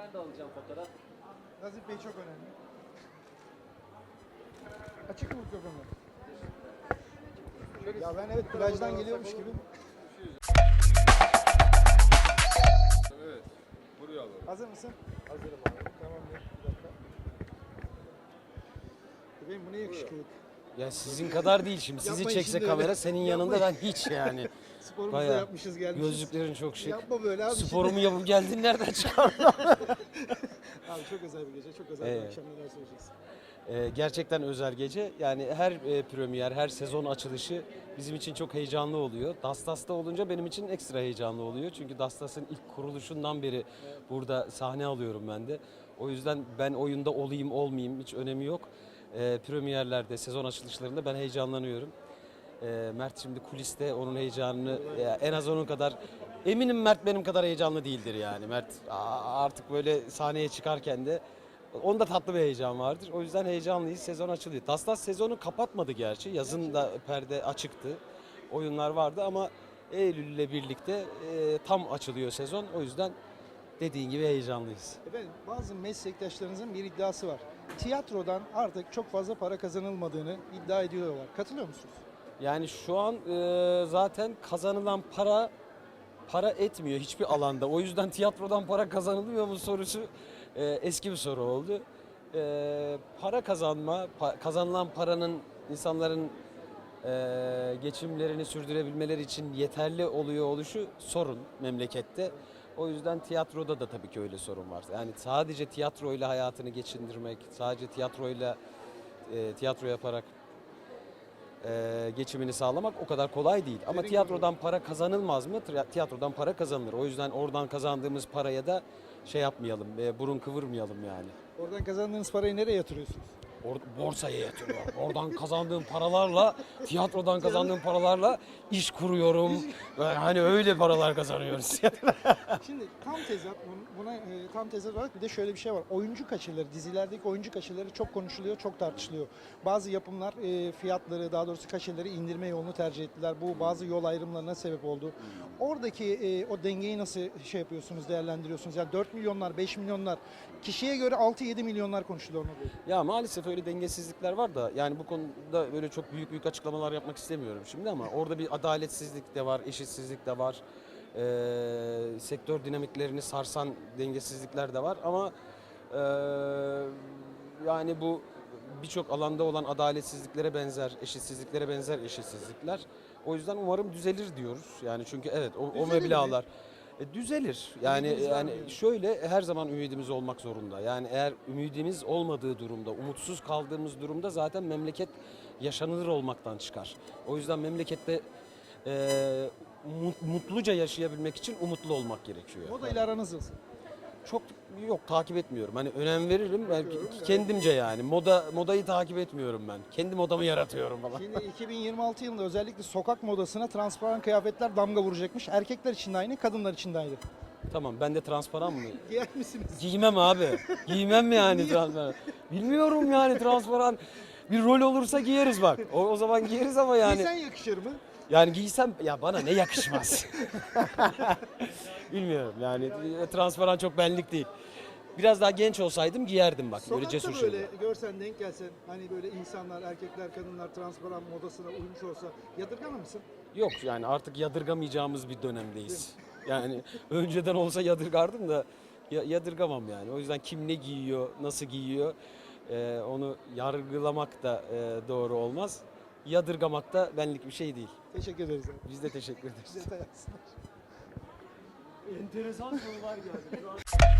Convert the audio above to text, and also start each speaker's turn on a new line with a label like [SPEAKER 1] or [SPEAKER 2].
[SPEAKER 1] Ben de alacağım fotoğraf.
[SPEAKER 2] Nazif Bey çok önemli. Açık mı mikrofonu? Ya ben evet plajdan geliyormuş gibi.
[SPEAKER 3] Evet. Buraya alalım.
[SPEAKER 2] Hazır mısın?
[SPEAKER 3] Hazırım abi.
[SPEAKER 2] Tamamdır. Bir dakika. Benim bu ne yakışıklılık.
[SPEAKER 4] Ya sizin kadar değil şimdi. Sizi
[SPEAKER 2] Yapmayın
[SPEAKER 4] çekse
[SPEAKER 2] şimdi
[SPEAKER 4] kamera
[SPEAKER 2] öyle.
[SPEAKER 4] senin yanında ben hiç yani.
[SPEAKER 2] Sporumuzu da
[SPEAKER 4] Bayağı.
[SPEAKER 2] yapmışız gelmişiz.
[SPEAKER 4] Gözlüklerin çok şık.
[SPEAKER 2] Yapma böyle abi.
[SPEAKER 4] Sporumu yapıp geldin nereden çıkardın?
[SPEAKER 2] Abi çok özel bir gece, çok özel bir
[SPEAKER 4] Evet.
[SPEAKER 2] akşam, neler söyleyeceksin?
[SPEAKER 4] Gerçekten özel gece. Yani her premier, her sezon açılışı bizim için çok heyecanlı oluyor. Dastas'ta olunca benim için ekstra heyecanlı oluyor. Çünkü Dastas'ın ilk kuruluşundan beri burada sahne alıyorum ben de. O yüzden ben oyunda olayım olmayayım hiç önemi yok. Premierlerde, sezon açılışlarında ben heyecanlanıyorum. Mert şimdi kuliste onun heyecanını en az onun kadar, eminim Mert benim kadar heyecanlı değildir yani. Mert artık böyle sahneye çıkarken de onda tatlı bir heyecan vardır. O yüzden heyecanlıyız. Sezon açılıyor. Tastas sezonu kapatmadı gerçi. Yazın da perde açıktı. Oyunlar vardı ama Eylül ile birlikte tam açılıyor sezon. O yüzden dediğin gibi heyecanlıyız.
[SPEAKER 2] Efendim bazı meslektaşlarınızın bir iddiası var. Tiyatrodan artık çok fazla para kazanılmadığını iddia ediyorlar. Katılıyor musunuz?
[SPEAKER 4] Yani şu an zaten kazanılan para etmiyor hiçbir alanda. O yüzden tiyatrodan para kazanılmıyor mu sorusu eski bir soru oldu. Para kazanma, kazanılan paranın insanların geçimlerini sürdürebilmeleri için yeterli oluyor oluşu sorun memlekette. O yüzden tiyatroda da tabii ki öyle sorun var. Yani sadece tiyatroyla hayatını geçindirmek, sadece tiyatro yaparak geçimini sağlamak o kadar kolay değil. Ama tiyatrodan para kazanılmaz mı? Tiyatrodan para kazanılır. O yüzden oradan kazandığımız paraya da şey yapmayalım, burun kıvırmayalım yani.
[SPEAKER 2] Oradan kazandığınız parayı nereye yatırıyorsunuz?
[SPEAKER 4] Borsaya yatırıyorum. Oradan kazandığım paralarla, tiyatrodan kazandığım paralarla iş kuruyorum. Hani öyle paralar kazanıyoruz.
[SPEAKER 2] Şimdi tam tezat, buna tam tezat olarak bir de şöyle bir şey var. Oyuncu kaçırları, dizilerdeki oyuncu kaçırları çok konuşuluyor, çok tartışılıyor. Bazı yapımlar fiyatları, daha doğrusu kaçırları indirme yolunu tercih ettiler. Bu bazı yol ayrımlarına sebep oldu. Oradaki o dengeyi nasıl şey yapıyorsunuz, değerlendiriyorsunuz? Yani 4 milyonlar, 5 milyonlar, kişiye göre 6-7 milyonlar konuşuluyor.
[SPEAKER 4] Ya maalesef öyle dengesizlikler var da yani bu konuda böyle çok büyük açıklamalar yapmak istemiyorum şimdi ama orada bir adaletsizlik de var, eşitsizlik de var. Sektör dinamiklerini sarsan dengesizlikler de var ama yani bu birçok alanda olan adaletsizliklere benzer, eşitsizliklere benzer eşitsizlikler. O yüzden umarım düzelir diyoruz. Yani çünkü evet o meblağlar düzelir. Yani şöyle her zaman ümidimiz olmak zorunda. Yani eğer ümidimiz olmadığı durumda, umutsuz kaldığımız durumda zaten memleket yaşanılır olmaktan çıkar. O yüzden memlekette mutluca yaşayabilmek için umutlu olmak gerekiyor.
[SPEAKER 2] Moda ile aranız nasıl?
[SPEAKER 4] Çok yok takip etmiyorum. Hani önem veririm belki kendimce yani. Modayı takip etmiyorum ben. Kendi modamı yaratıyorum falan.
[SPEAKER 2] Şimdi 2026 yılında özellikle sokak modasına transparan kıyafetler damga vuracakmış. Erkekler için de aynı, kadınlar için de aynı.
[SPEAKER 4] Tamam ben de transparan mı?
[SPEAKER 2] Giyer misiniz?
[SPEAKER 4] Giymem abi. Giymem mi yani transparan? Bilmiyorum yani transparan. Bir rol olursa giyeriz bak. O zaman giyeriz ama yani.
[SPEAKER 2] Giysen yakışır mı?
[SPEAKER 4] Yani giysem ya bana ne yakışmaz. Bilmiyorum yani transparan çok benlik değil. Biraz daha genç olsaydım giyerdim bak böyle
[SPEAKER 2] Sokakta
[SPEAKER 4] cesur
[SPEAKER 2] böyle
[SPEAKER 4] şeyler.
[SPEAKER 2] görsen, denk gelsen, hani böyle insanlar, erkekler, kadınlar transparan modasına uymuş olsa yadırgamır mısın?
[SPEAKER 4] Yok yani artık yadırgamayacağımız bir dönemdeyiz. Yani önceden olsa yadırgardım da yadırgamam yani. O yüzden kim ne giyiyor, nasıl giyiyor onu yargılamak da doğru olmaz. Yadırgamak da benlik bir şey değil.
[SPEAKER 2] Teşekkür ederiz. Abi.
[SPEAKER 4] Biz de teşekkür ederiz.
[SPEAKER 2] Detay atsınlar.
[SPEAKER 1] Enteresan sorular geldi.